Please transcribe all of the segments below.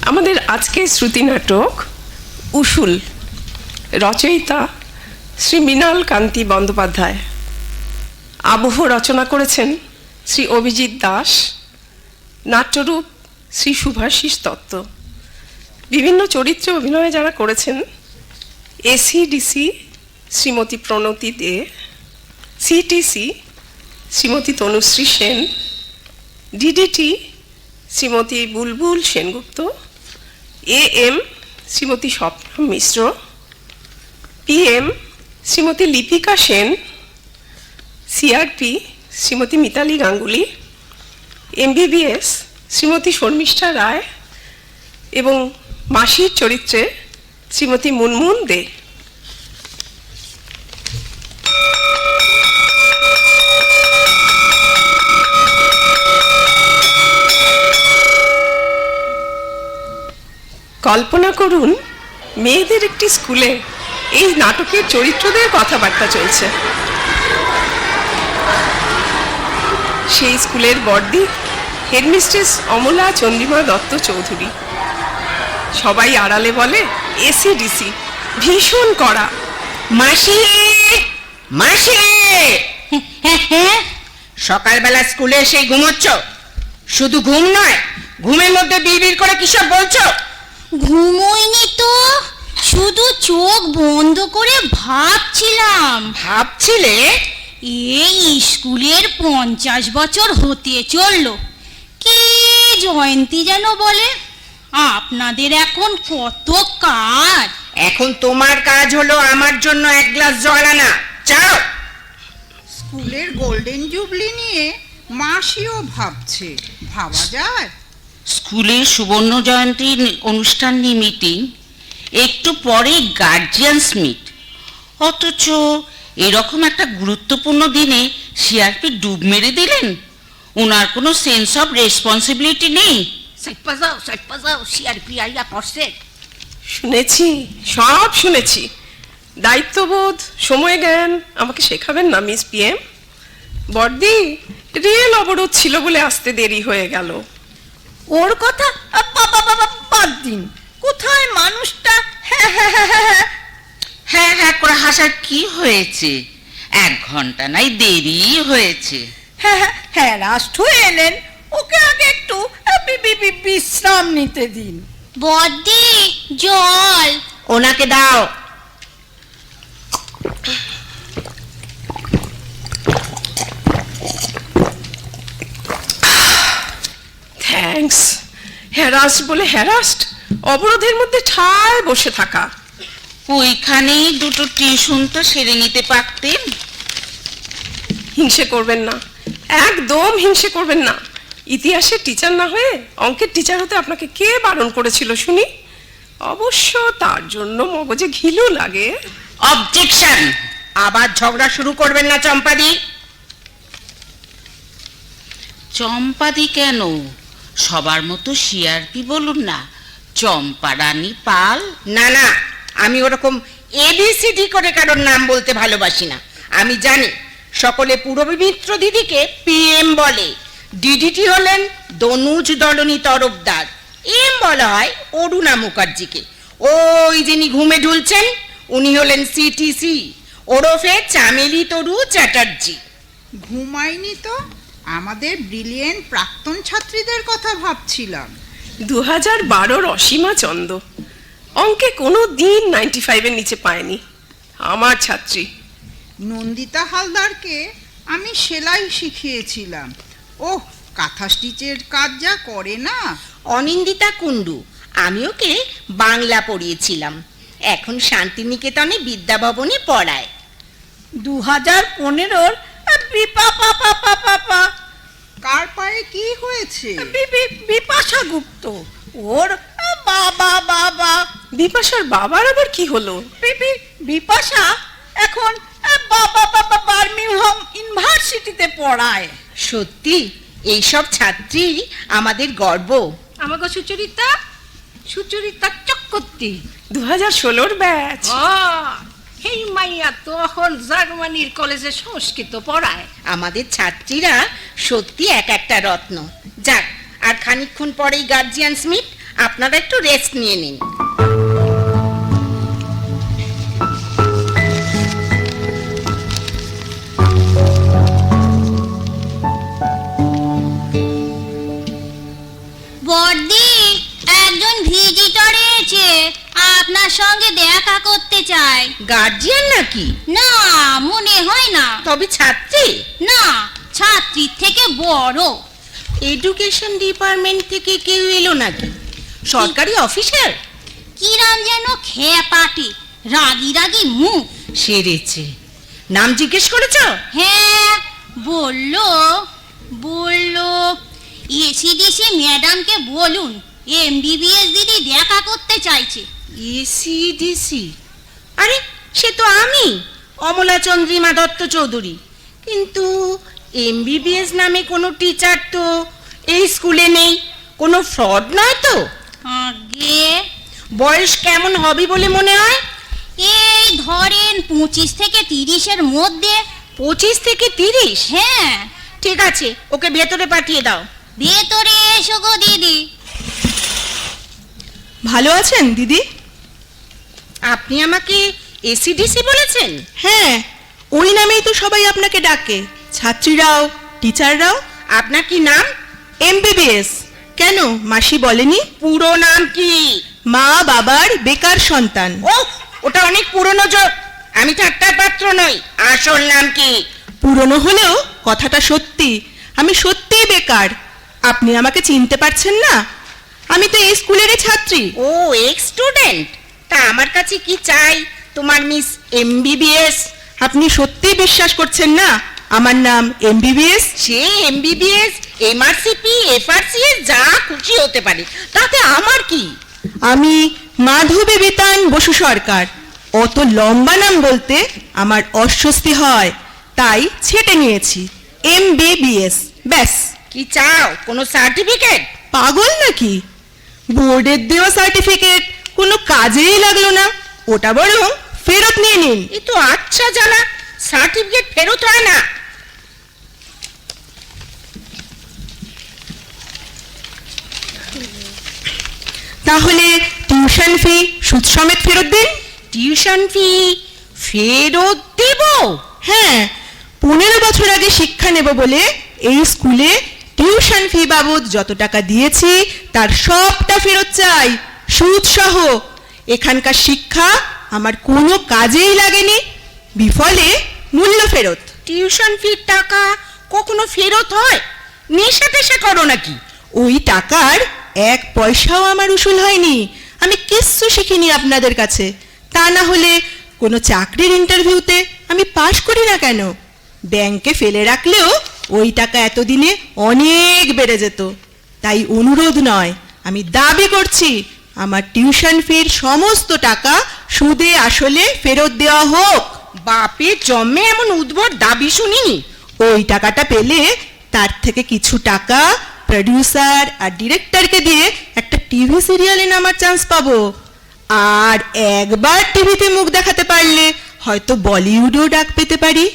আমাদের আজকের শ্রুতি নাটক উসুল, রচয়িতা শ্রী মৃণাল কান্তি বন্দ্যোপাধ্যায়, আবহ রচনা করেছেন শ্রী অভিজিৎ দাস, নাট্যরূপ শ্রী শুভাশিস দত্ত। বিভিন্ন চরিত্রে অভিনয় যারা করেছেন ACDC Shrimati Pranati De, CTC Shrimati Tanushree Sen, DDT Shrimati Bulbul Sengupta, AM Shrimati Swapna Mishra, PM Shrimati Lipika Sen, CRP Shrimati Mitali Ganguly, MBBS Shrimati Sharmistha Roy এবং মাসির চরিত্রে শ্রীমতী মুনমুন দে। কল্পনা করুন, মেয়েদের একটি স্কুলে এই নাটকের চরিত্রদের কথাবার্তা চলছে। সেই স্কুলের বর্দি হেডমিস্ট্রেস অমলা চন্দ্রিমা দত্ত চৌধুরী। সবাই আড়ালে বলে এসিডিসি, ভীষণ কড়া। মাসি মাসি, সকালবেলা স্কুলে এসে ঘুমোচ্ছ? শুধু ঘুম নয়, ঘুমের মধ্যে বিড়বিড় করে কিসব বলছো? ঘুমোইনি তো, শুধু চোখ বন্ধ করে ভাবছিলাম। ভাবছিলে? এই স্কুলের 50 বছর হতে চললো, কি জয়ন্তী যেন বলে। আপনাদের এখন কত কাজ। এখন তোমার কাজ হলো আমার জন্য এক গ্লাস জল আনা। চাও? স্কুলের গোল্ডেন জুবলি নিয়ে মাসিও ভাবছে, ভাবা যায়? স্কুলের সুবর্ণ জয়ন্তীর অনুষ্ঠান নিয়ে মিটিং, একটু পরে গার্জিয়ানস মিট, অথচ এরকম একটা গুরুত্বপূর্ণ দিনে সিআরপি ডুব মেরে দিলেন। ওনার কোনো সেন্স অফ রেসপন্সিবিলিটি নেই। সিআরপি আইয়া পড়ছে। শুনেছি, সব শুনেছি। দায়িত্ববোধ, সময় জ্ঞান আমাকে শেখাবেন না মিস পিএম? বর্দি, রেল অবরোধ ছিল বলে আসতে দেরি হয়ে গেল। ওর কথা বাদ দিন। কোথায় মানুষটা হ্যাঁ হ্যাঁ করে হাসার কি হয়েছে? 1 ঘন্টা নাই দেরি হয়েছে। হ্যাঁ রাষ্ট্র এলেন, ওকে আগে একটু বিশ্রাম নিতে দিন। বদ্দি, জল। ওনাকে দাও। থ্যাঙ্কস। হ্যারাস্ট বলে হ্যারাস্ট, অবরোধের মধ্যে ঠায় বসে থাকা। ওইখানেই দুটো টিউশন তো সেরে নিতে পারতেন। হিংসে করবেন না, একদম হিংসে করবেন না। ইতিহাসের টিচার না হয়ে অঙ্কের টিচার হতে আপনাকে কে বারণ করেছিল শুনি? অবশ্য তার জন্য মগজে ঘিলু লাগে। অবজেকশন! আবার ঝগড়া শুরু করবেন না চম্পাদি। চম্পাদি কেন? সবার মতো সিআরপি বলুন না, চম্পা রানী পাল। না না, আমি ওরকম এবিসিডি করে কারোর নাম বলতে ভালোবাসি না। আমি জানি সকলে পূরবী মিত্র দিদিকে পিএম বলে, ডিডিটি হলেন দনুজ দলনী তরফদার, এম বলা হয় অরুণা মুখার্জিকে। ওই যিনি ঘুমে ঢুলছেন উনি হলেন সিটিসি, ওরফে চামেলি তরু চ্যাটার্জি। ঘুমাইনি তো, আমাদের ব্রিলিয়েন্ট প্রাক্তন ছাত্রীদের কথা ভাবছিলাম। 2012 অসীমা চন্দ অঙ্কে কোনো দিন 95-এর নিচে পায়নি, আমার ছাত্রী। নন্দিতা হালদারকে আমি সেলাই শিখিয়েছিলাম। ওহ, কাঁথা স্টিচের কাজ যা করে না। অনিন্দিতা কুণ্ডু, আমি ওকে বাংলা পড়িয়েছিলাম, এখন শান্তিনিকেতনে বিদ্যাভবনে পড়ায়। 2015-র কার পায়ে কি হয়েছে? বিপাশা গুপ্ত, ওর বাবা। বিপাশার বাবার আবার কি হলো? বিপাশা এখন বার্মিংহাম ইউনিভার্সিটিতে পড়ায়। সত্যি এইসব ছাত্রী আমাদের গর্ব। আমাকে সুচরিতা চক্রবর্তী 2016-র ব্যাচ। এই মাইয়া তো এখন জার্মানির কলেজে সংস্কৃত পড়ায়। আমাদের ছাত্রীরা সত্যি এক একটা রত্ন। যাক, আর খানিকক্ষণ পরেই গার্জিয়ানস মিট, আপনারা একটু রেস্ট নিয়ে নিন। বড়দি, একজন ভিজিটর এসেছে, আপনার সঙ্গে দেখা করতে চায়। গার্জিয়ান নাকি? না, মনে হয় না। তবে ছাত্রী? না, ছাত্রীর থেকে বড়। এডুকেশন ডিপার্টমেন্ট থেকে কেউ এলো নাকি? সরকারি অফিসার? কিরাম যেন খেপাটে, রাগি রাগি মুখ। সেরেছে। নাম জিজ্ঞেস করেছ? হ্যাঁ, বললো বললো এসিডিসি ম্যাডামকে বলুন এমবিবিএস দিদি দেখা করতে চাইছে। এসিডিসি? আরে সে তো আমি, অমলা চন্দ্রিমা দত্ত চৌধুরী। কিন্তু এমবিবিএস নামে কোনো টিচার তো এই স্কুলে নেই। কোনো ফ্রড নয় তো? আগে বয়স কেমন হবে বলে মনে হয়? এই ধরেন 25 থেকে 30-এর মধ্যে। 25 থেকে 30? হ্যাঁ। ঠিক আছে, ওকে ভেতরে পাঠিয়ে দাও। ভেতরে এসো গো দিদি। ভালো আছেন দিদি? আপনি আমাকে এসিডিসি বলেছেন? হ্যাঁ, ওই নামেই তো সবাই আপনাকে ডাকে, ছাত্রীরাও টিচাররাও। আপনার কি নাম? এমবিবিএস। কেন, মাসি বলেনি? পুরো নাম কি? মা বাবার বেকার সন্তান। ও, ওটা অনেক পুরনো যোগ। আমি ঠাট্টার পাত্র নই। আসল নাম কি? পুরনো হলেও কথাটা সত্যি, আমি সত্যিই বেকার। আপনি আমাকে চিনতে পারছেন না? আমি তো এই স্কুলেরই ছাত্রী। ও, এক্স স্টুডেন্ট। তা আমার কাছে কি চাই তোমার মিস এমবিবিএস? আপনি সত্যিই বিশ্বাস করছেন না আমার নাম এমবিবিএস? সে এমবিবিএস, এমআরসিপি, এফআরসিএস যা খুশি হতে পারে, তাতে আমার কি? আমি মাধবী বিতান বসু সরকার। অত লম্বা নাম বলতে আমার অস্বস্তি হয়, তাই ছেটে নিয়েছি এমবিবিএস, ব্যাস। কি চাও? কোনো সার্টিফিকেট? পাগল নাকি? বোর্ডের দেওয়া সার্টিফিকেট কোনো কাজেই লাগলো না, ওটা বরং ফেরত নিয়ে নিন। এ তো আচ্ছা জানা, সার্টিফিকেট ফেরত হয় না। তাহলে টিউশন ফি সুদ সমেত ফেরত দিন। টিউশন ফি ফেরত দেব? হ্যাঁ, 15 বছর আগে শিক্ষা নেব বলে এই স্কুলে টিউশন ফি বাবদ যত টাকা দিয়েছি তার সবটা ফেরত চাই, সুদ সহ। এখানকার শিক্ষা আমার কোনো কাজেই লাগেনি, বিফলে মূল্য ফেরত। টিউশন ফির টাকা কখনো ফেরত হয়? নেশা টেশা করো নাকি? ওই টাকার 1 পয়সাও আমার উসুল হয়নি। আমি কিচ্ছু শিখিনি আপনাদের কাছে। তা না হলে কোনো চাকরির ইন্টারভিউতে আমি পাশ করি না কেন? ব্যাংকে ফেলে রাখলেও ওই টাকা এতদিনে অনেক বেড়ে যেত। তাই অনুরোধ নয়, আমি দাবি করছি আমার টিউশন ফির সমস্ত টাকা সুদে আসলে ফেরত দেওয়া হোক। বাপে জন্মে এমন উদ্ভট দাবি শুনিনি। ওই টাকাটা পেলে তার থেকে কিছু টাকা প্রডিউসার আর ডিরেক্টরকে দিয়ে একটা টিভি সিরিয়ালে নামার চান্স পাবো। আর একবার টিভিতে মুখ দেখাতে পারলে হয়তো বলিউডেও ডাক পেতে পারি।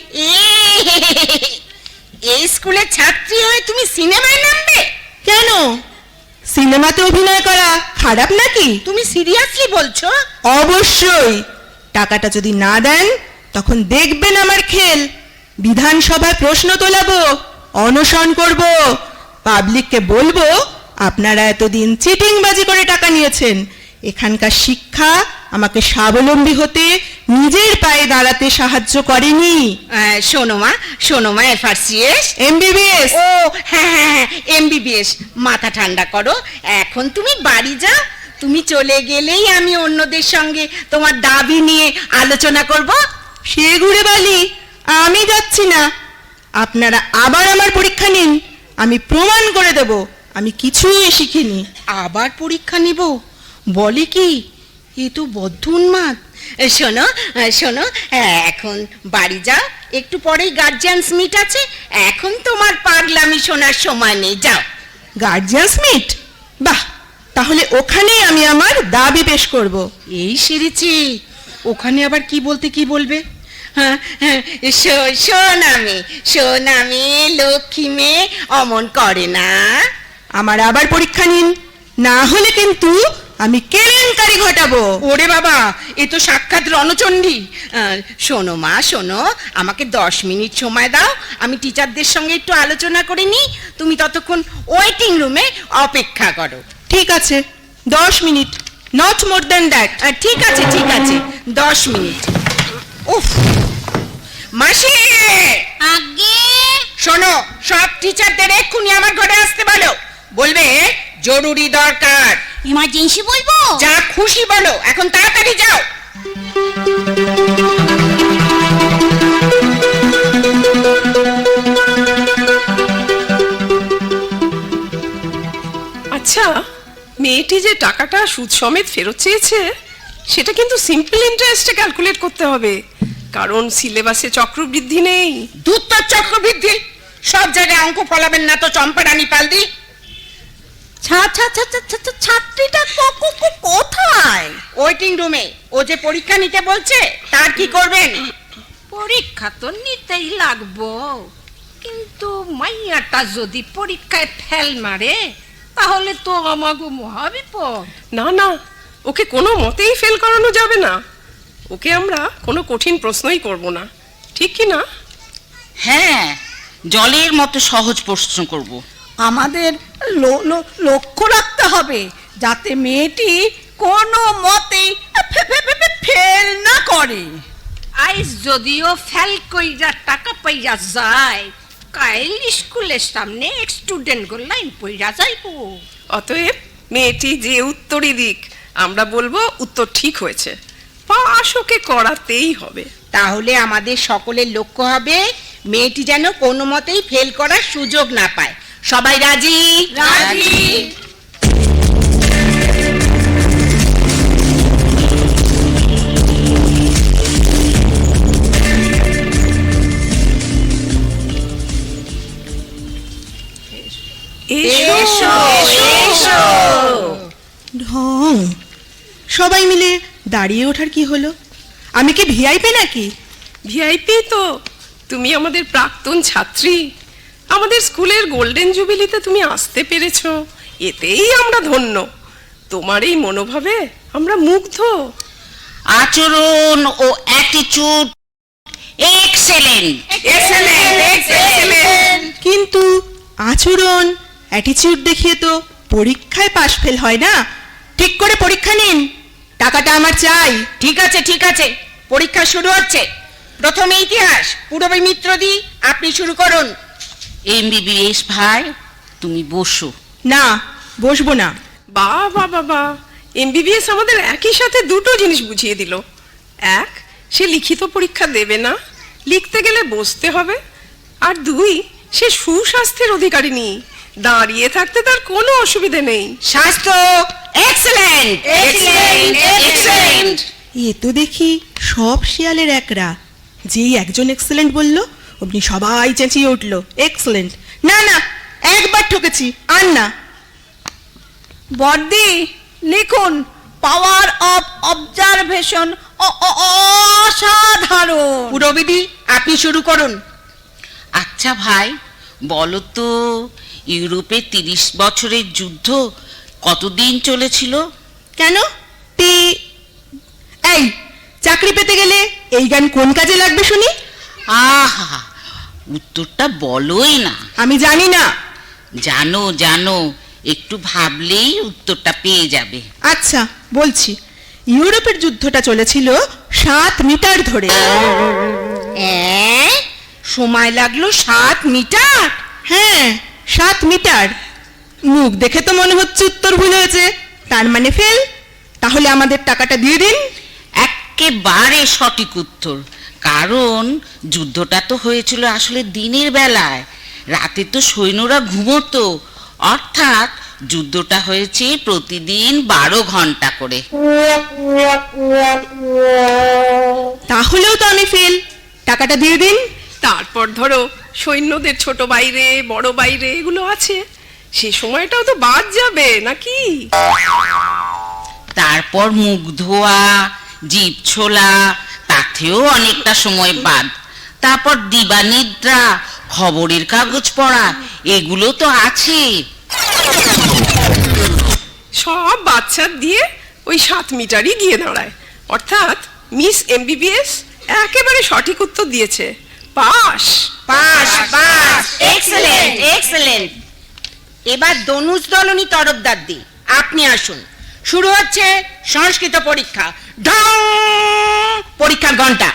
এই স্কুলের ছাত্রী হয়ে তুমি সিনেমায় নামবে? কেন, সিনেমাতে অভিনয় করা খারাপ নাকি? তুমি সিরিয়াসলি বলছো? অবশ্যই। টাকাটা যদি না দেন তখন দেখবেন আমার খেল। বিধানসভায় প্রশ্ন তোলাবো, অনশন করব, পাবলিককে বলবো আপনারা এতদিন চিটিংবাজি করে টাকা নিয়েছেন। এখানকার শিক্ষা আমাকে স্বাবলম্বী হতে, নিজের পায়ে দাঁড়াতে সাহায্য করেনি। শোনো মা, এফআরসিএস, এমবিবিএস। ও হ্যাঁ হ্যাঁ হ্যাঁ, এমবিবিএস। মাথা ঠান্ডা করো, এখন তুমি বাড়ি যাও। তুমি চলে গেলেই আমি অন্যদের সঙ্গে তোমার দাবি নিয়ে আলোচনা করব। সে ঘুরে বালি, আমি যাচ্ছি না। আপনারা আবার আমার পরীক্ষা নিন, আমি প্রমাণ করে দেব আমি কিছুই শিখিনি। আবার পরীক্ষা নিব বলে কি? এ তো বদ্ধ উন্মাদ। শোনো, এখন বাড়ি যাও, একটু পরেই গার্জিয়ানস মিট আছে। এখন তোমার পাগলামি শোনার সময় নেই, যাও। Guardians meet? বাহ, তাহলে ওখানেই আমি আমার দাবি পেশ করব। এই সেরেছি, ওখানে আবার কি বলতে কি বলবে? হ্যাঁ, সোনামে লক্ষ্মী মেয়ে অমন করে না। আমার আবার পরীক্ষা নিন, না হলে কিন্তু আমি কেলেঙ্কারি ঘটাবো। ওরে বাবা, এ তো সাক্ষাৎ রণচণ্ডী। শোনো মা, শোনো, আমাকে 10 মিনিট সময় দাও, আমি টিচারদের সঙ্গে একটু আলোচনা করে নিই। তুমি ততক্ষণ ওয়েটিং রুমে অপেক্ষা করো। ঠিক আছে, 10 minute, not more than that. ঠিক আছে, ঠিক আছে, 10 মিনিট। উফ, মাসি, আগে শোনো, সব টিচারদের এক্ষুনি আমার ঘরে আসতে বলো। বলবে জরুরি দরকার। ইমার্জেন্সি বলবো? যা খুশি বলো, এখন তাড়াতাড়ি যাও। আচ্ছা, মেয়েটি যে টাকাটা সুদ সমেত ফেরত চেয়েছে সেটা কিন্তু সিম্পল ইন্টারেস্টে ক্যালকুলেট করতে হবে, কারণ সিলেবাসে চক্রবৃদ্ধি নেই। দুত্তর চক্রবৃদ্ধি, সব জায়গায় অঙ্ক ফলাবেন না তো চম্পারানী পালদি। ছাত্রীটা কোথায়? ওয়েটিং রুমে। ও যে পরীক্ষা নিতে বলছে, তার কি করবেন? পরীক্ষা তো নিতেই লাগবো, কিন্তু মাইয়াটা যদি পরীক্ষায় ফেল মারে তাহলে তো আমাগো মহাবিপদ। না না, ওকে কোনো মতেই ফেল করানো যাবে না। ওকে আমরা কোনো কঠিন প্রশ্নই করব না, ঠিক কি না? হ্যাঁ, জলের মতো সহজ প্রশ্ন করব। আমাদের লক্ষ্য রাখতে হবে যাতে মেয়েটি কোনো মতেই ফেল না করে। আইস যদিও ফেল কইরা টাকা পাইয়া যায়, কাইল স্কুলের সামনে স্টুডেন্ট গো লাইন পইরা যাইবো। অতএব মেয়েটি যে উত্তরই দিক, আমরা বলবো উত্তর ঠিক হয়েছে, পাশ ওকে করাতেই হবে। তাহলে আমাদের সকলের লক্ষ্য হবে মেয়েটি যেন কোনো মতেই ফেল করার সুযোগ না পায়। সবাই রাজি? রাজি। এসো, এসো। ঢং, সবাই মিলে দাঁড়িয়ে ওঠার কি হলো? আমি কি ভিআইপি নাকি? ভিআইপি তো, তুমি আমাদের প্রাক্তন ছাত্রী, আমাদের স্কুলের গোল্ডেন জুবিলিতে তুমি আসতে পেরেছো, এতেই আমরা ধন্য। তোমার এই মনোভাবে আমরা মুগ্ধ। আচরণ ও অ্যাটিটিউড এক্সেলেন্ট। কিন্তু আচরণ অ্যাটিটিউড দেখিয়ে তো পরীক্ষায় পাশ ফেল হয় না। ঠিক করে পরীক্ষা নিন, টাকাটা আমার চাই। ঠিক আছে, ঠিক আছে, পরীক্ষা শুরু হচ্ছে। প্রথমে ইতিহাস, পূরবী মিত্রদি, আপনি শুরু করুন। এমবিবিএস ভাই, তুমি বসো। না, বসবো না। বাবা বাবা, এমবিবিএস আমাদের একই সাথে দুটো জিনিস বুঝিয়ে দিল। এক, সে লিখিত পরীক্ষা দেবে না, লিখতে গেলে বসতে হবে। আর দুই, সে সুস্বাস্থ্যের অধিকারিণী, দাঁড়িয়ে থাকতে তার কোনো অসুবিধে নেই। স্বাস্থ্য এক্সেলেন্ট, এক্সেলেন্ট, এক্সেলেন্ট। এ তো দেখি সব শিয়ালের একরা। যেই একজন এক্সেলেন্ট বলল, অমনি সবাই চেঁচিয়ে উঠল এক্সেলেন্ট। না না, একবার ঠকেছি, আর না। বর্দি, লিখুন পাওয়ার অফ অবজারভেশন অসাধারণ। পূরবীদি, আপনি শুরু করুন। আচ্ছা ভাই, বলো তো, ইউরোপে 30 বছরের যুদ্ধ কতদিন চলেছিল? কেন? এই চাকরি পেতে গেলে এই গান কোন কাজে লাগবে শুনি? আহা, উত্তরটা বলোই না। আমি জানি না। জানো জানো, একটু ভাবলেই উত্তরটা পেয়ে যাবে। আচ্ছা বলছি, ইউরোপের যুদ্ধটা চলেছিল 7 মিটার ধরে। সময় লাগলো 7 মিটার? হ্যাঁ, 7 মিটার। মুখ দেখে তো মনে হচ্ছে উত্তর ভুল হয়েছে, তার মানে ফেল। তাহলে আমাদের টাকাটা দিয়ে দিন। একেবারে সঠিক উত্তর, কারণ যুদ্ধটা তো হয়েছিল আসলে দিনের বেলায়, রাতে তো সৈন্যরা ঘুমোতো, অর্থাৎ যুদ্ধটা হয়েছে প্রতিদিন 12 ঘন্টা করে। তাহলেও তো আমি ফেল, টাকাটা দিয়ে দিন। তারপর ধরো সৈন্যদের ছোট বাইরে বড় বাইরে এগুলো আছে, সে সময়টাও তো বাদ যাবে নাকি? তারপর মুখ ধোয়া, জিভ ছোলা, তাতেও অনেকটা সময় বাদ। তারপর দিবানিদ্রা, খবরের কাগজ পড়া, এগুলো তো আছে। সব বাচ্চার দিয়ে ওই 7 মিটারই গিয়ে দাঁড়ায়। অর্থাৎ মিস এমবিবিএস একেবারে সঠিক উত্তর দিয়েছে, pass. Pass pass, excellent excellent. এবার দনুজ দলনী তরফদার দি, আপনি আসুন। শুরু হচ্ছে সংস্কৃত পরীক্ষা। ঢং! পরীক্ষার ঘন্টা।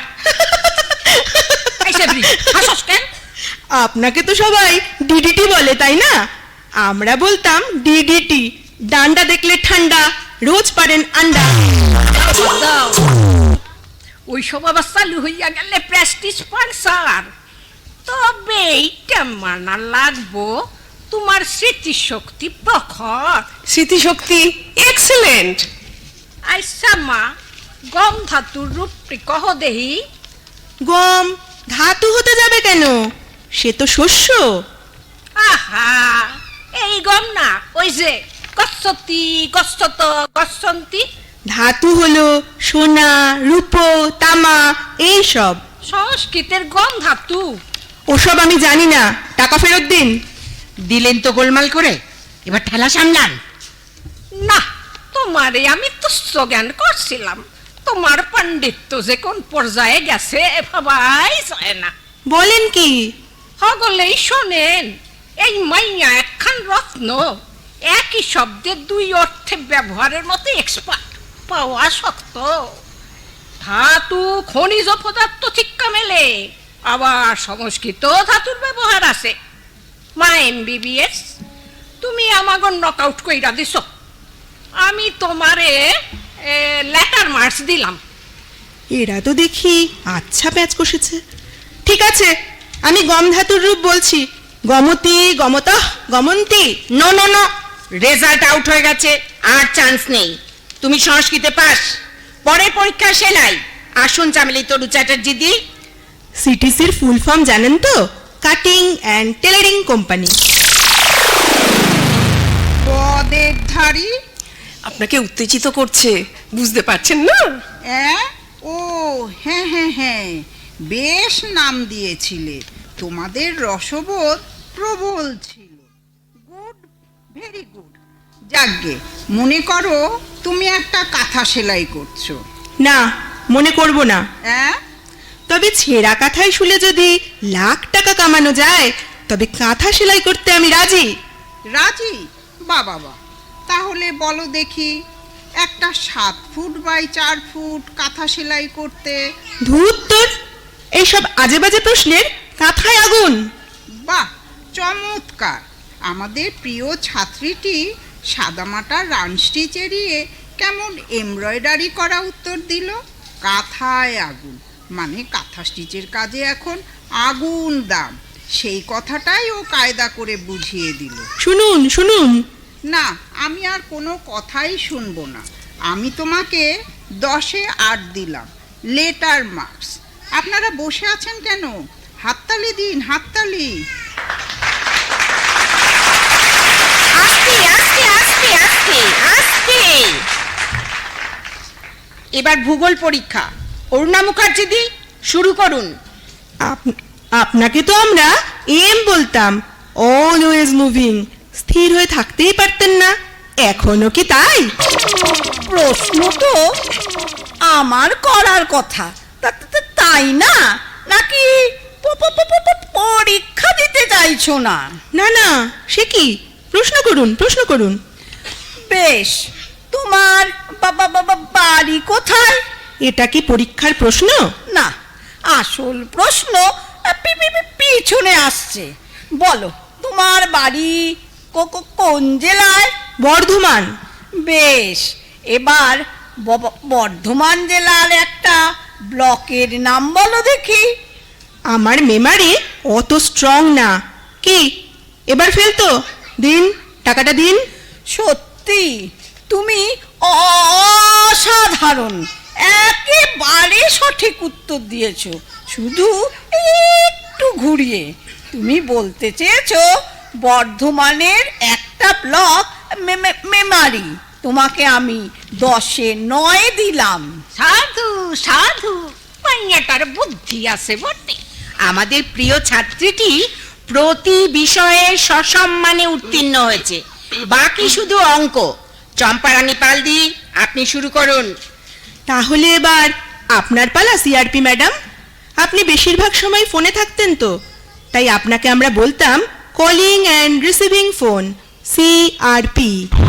আপনাকে তো সবাই ডিডিটি বলে, তাই না? আমরা বলতাম ডিডিটি, ডান্ডা দেখলে ঠান্ডা, রোজ পারেন আন্ডা। ওই সব আবার চালু হইয়া গেলে প্রেস্টিজ পারসার। তবে এইটা মানা লাগবো, তোমার স্মৃতিশক্তি প্রখর। স্মৃতিশক্তি এক্সেলেন্ট। আচ্ছা মা, গম ধাতুর রূপটি কহ দেহি। গম ধাতু হতে যাবে কেন? সে তো শস্য। আহা, এই গম না, ওই যে গচ্ছতি গচ্ছত গচ্ছন্তি। ধাতু হলো সোনা, রূপো, তামা, এই সব। সংস্কৃতের গম ধাতু। ওসব আমি জানি না, টাকা ফেরত দিন। দিলেন তো গোলমাল করে, এবার ঠেলা সামলান। না, তোমারে আমি তুচ্ছ জ্ঞান করছিলাম। তোমার পাণ্ডিত্য যে কোন পর্যায়ে গেছে ভাবাই যায় না। বলেন কি? হগলেই শোনেন, এই মাইয়া একখান রত্ন, একই শব্দের 2 অর্থে ব্যবহারের মতো এক্সপার্ট পাওয়া শক্ত। ধাতু খনিজ পদার্থ ঠিক্কা মেলে, আবার সংস্কৃত ধাতুর ব্যবহার আছে। মা এমবিবিএস, তুমি আমাকে নকআউট কইরা দিছ। আমি তোমারে লেটার মার্কস দিলাম। এরা তো দেখি আচ্ছা প্যাচ কষেছে। ঠিক আছে, আমি গম ধাতুর রূপ বলছি। গমতি, গমতঃ, গমন্তি। No no no, result out হয়ে গেছে, আর চান্স নেই। তুমি সংস্কৃতে পাস। পরের পরীক্ষা সেলাই। আসুন চামেলি তরু চ্যাটার্জি দি। সিটিসির ফুল ফর্ম জানেন তো? Cutting and tailoring company. পদের ধারী। আপনাকে উত্তেজিত করছে, বুঝতে পারছেন না? ও হ্যাঁ হ্যাঁ হ্যাঁ, বেশ নাম দিয়েছিলে। তোমাদের রসবোধ প্রবল ছিল। Good, very good. যাকগে, মনে করো তুমি একটা কাঁথা সেলাই করছো। না, মনে করব না। হ্যাঁ, তবে ছেঁড়া কাঁথায় শুলে যদি লাখ টাকা কামানো যায়, তবে কাঁথা সেলাই করতে আমি রাজি। রাজি? বাবা, তাহলে বলো দেখি, একটা 7 ফুট বাই 4 ফুট কাঁথা সেলাই করতে। ধুর তোর, এইসব আজে বাজে প্রশ্নের কাঁথায় আগুন। বাহ, চমৎকার। আমাদের প্রিয় ছাত্রীটি সাদামাটা রান স্টিচ এড়িয়ে কেমন এমব্রয়ডারি করা উত্তর দিল। কাঁথায় আগুন, মানে কাঁথা স্টিচের কাজে এখন আগুন দাম, সেই কথাটাই ও কায়দা করে বুঝিয়ে দিল। শুনুন শুনুন। না, আমি আর কোনো কথাই শুনবো না। আমি তোমাকে 10-এ 8 দিলাম, লেটার মার্কস। আপনারা বসে আছেন কেন? হাততালি দিন, হাততালি। আস্তে আস্তে আস্তে আস্তে আস্তে। এবার ভূগোল পরীক্ষা। অরুণা মুখার্জি দি, শুরু করুন। আপনাকে তো আমরা এম বলতাম, অলওয়েজ মুভিং। স্থির হয়ে থাকতেই পারতেন না, এখনো কি তাই? প্রশ্ন তো আমার করার কথা, তাই না? নাকি পরীক্ষা দিতে চাইছো না? না না, সে কি? প্রশ্ন করুন, প্রশ্ন করুন। বেশ, তোমার বাড়ি কোথায়? এটা কি পরীক্ষার প্রশ্ন? না, আসল প্রশ্ন পিছনে আসছে। বলো, তোমার বাড়ি কোন জেলায়? বর্ধমান। বেশ, এবার বর্ধমান জেলার একটা ব্লকের নাম বলো দেখি। আমার মেমারি অত স্ট্রং না। কি এবার ফেলতো? দিন, টাকাটা দিন। সত্যি তুমি অসাধারণ, একেবারে সঠিক উত্তর দিয়েছো, শুধু একটু ঘুরিয়ে। তুমি বলতে চেয়েছো বর্ধমানের একটা ব্লক মেমারি। তোমাকে আমি 10-এ 9 দিলাম। সাধু সাধু, মাইয়াটার বুদ্ধি আছে বটে। আমাদের প্রিয় ছাত্রীটি প্রতি বিষয়ে সসম্মানে উত্তীর্ণ হয়েছে, বাকি শুধু অঙ্ক। চম্পারানী পালদি, আপনি শুরু করুন। তাহলে এবার আপনার পালা সিআরপি ম্যাডাম। আপনি বেশিরভাগ সময় ফোনে থাকতেন তো, তাই আপনাকে আমরা বলতাম calling and receiving phone, CRP.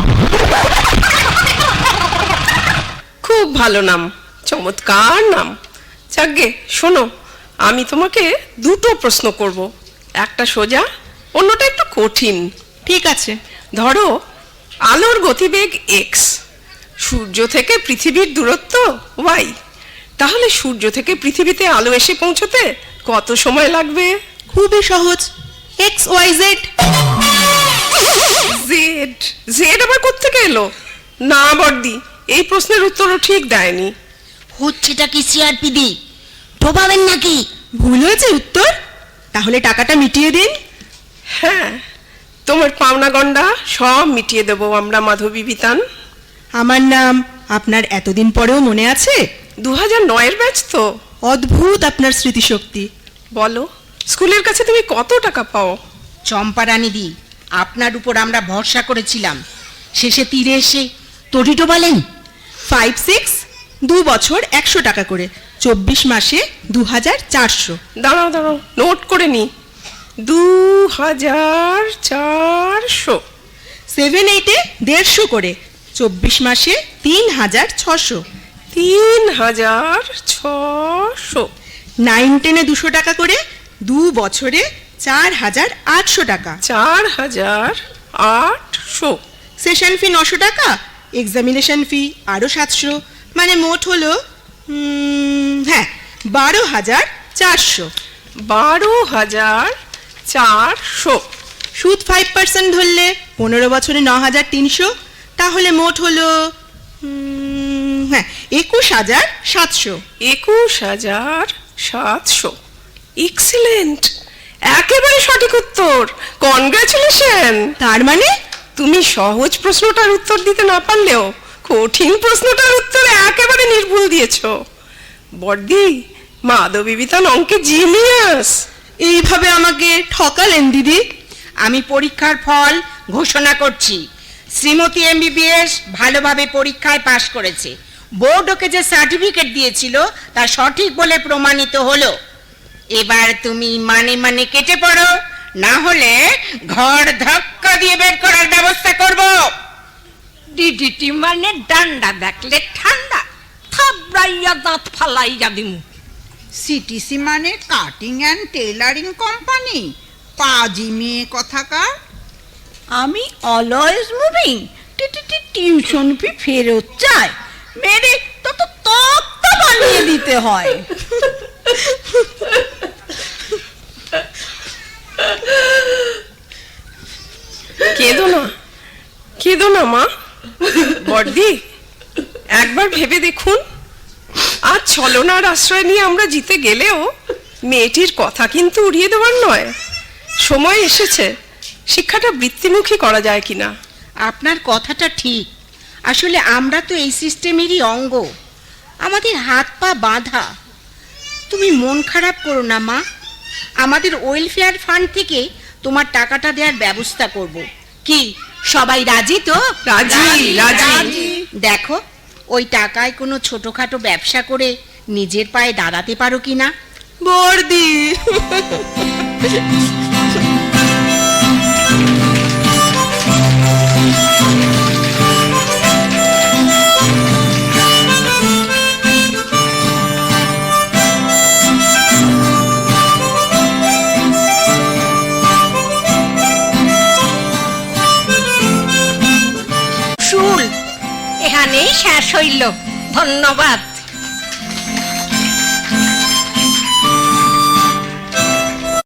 খুব ভালো নাম, চমৎকার নাম। যাকগে, শোনো, আমি তোমাকে দুটো প্রশ্ন করব, একটা সোজা, অন্যটা একটু কঠিন। ঠিক আছে। ধরো, আলোর গতিবেগ এক্স, সূর্য থেকে পৃথিবীর দূরত্ব ওয়াই, তাহলে সূর্য থেকে পৃথিবীতে আলো এসে পৌঁছতে কত সময় লাগবে? খুবই সহজ, X Y Z. Z, Z আবার কোত্থেকে এলো? না বর্দি, এই প্রশ্নের উত্তরও ঠিক দেয়নি। হচ্ছেটা কি সিআরপি দি? ঢোবাবেন নাকি? ভুল হয়েছে উত্তর? তাহলে টাকাটা মিটিয়ে দিন। হ্যাঁ, তোমার পাওনা গন্ডা সব মিটিয়ে দেবো আমরা, মাধবী বিতান। আমার নাম আপনার এতদিন পরেও মনে আছে? 2009-এর ব্যাচ তো। অদ্ভুত আপনার স্মৃতিশক্তি। বলো, স্কুলের কাছে তুমি কত টাকা পাও? চম্পারানী দি, আপনার উপর আমরা ভরসা করেছিলাম, শেষে তীরে এসে তরি ডোবালেন। 5-6, 2 বছর 100 টাকা করে, 24 মাসে 2400। দাঁড়াও দাঁড়াও, নোট করে নি। 2400। 7-8-এ 150 করে, 24 মাসে 3600। 3600। 9-10-এ 200 টাকা করে, 2 বছরে 4800 টাকা। 4800। সেশন ফি 900 টাকা, এক্সামিনেশন ফি আরো 700, মানে মোট হলো 12,400। 12,400। সুদ 5% ধরলে 15 বছরে 9,300, তাহলে মোট হলো 21,700। 21,700। এক্সিলেন্ট, একেবারে সঠিক উত্তর, কনগ্রাচুলেশন। তার মানে তুমি সহজ প্রশ্নটার উত্তর দিতে না পারলেও কঠিন প্রশ্নটার উত্তর একেবারে নির্ভুল দিয়েছো। বর্দি, মাধবী বিতান অঙ্কে জিনিয়াস। এইভাবে আমাকে ঠকালেন দিদি। আমি পরীক্ষার ফল ঘোষণা করছি। শ্রীমতী এমবিবিএস ভালোভাবে পরীক্ষায় পাশ করেছে। বোর্ড ওকে যে সার্টিফিকেট দিয়েছিল তা সঠিক বলে প্রমাণিত হলো। এবার তুমি মানে মানে কেটে পড়ো, না হলে ঘর ধাক্কা দিয়ে বের করার ব্যবস্থা করব। ডিডিটি মানে ডান্ডা দেখলে ঠান্ডা, থাবড়াইয়া দাঁত ফালাইয়া দিমু। সিটিসি মানে কাটিং অ্যান্ড টেইলারিং কোম্পানি, পাজি মেয়ে কথাকার। আমি অলওয়েজ মুভিং, টিউশন ফি ফেরত চাই, মেরে তো তক্তা বানিয়ে দিতে হয়। কেঁদো না, কেঁদো না মা। বর্দি, একবার ভেবে দেখুন, আজ ছলনার আশ্রয় নিয়ে আমরা জিতে গেলেও মেয়েটির কথা কিন্তু উড়িয়ে দেওয়ার নয়। সময় এসেছে শিক্ষাটা বৃত্তিমুখী করা যায় কিনা। আপনার কথাটা ঠিক। আসলে আমরা তো এই সিস্টেমেরই অঙ্গ, আমাদের হাত পা বাঁধা। তুমি মন খারাপ করো না মা, আমাদের ওয়েলফেয়ার ফান্ড থেকে তোমার টাকাটা দেওয়ার ব্যবস্থা করব। কি সবাই রাজি তো? রাজি, রাজি। দেখো, ওই টাকায় কোনো ছোটখাটো ব্যবসা করে নিজের পায়ে দাঁড়াতে পারো কিনা। বর্দি, শুল এখানেই শেষ হইল। ধন্যবাদ।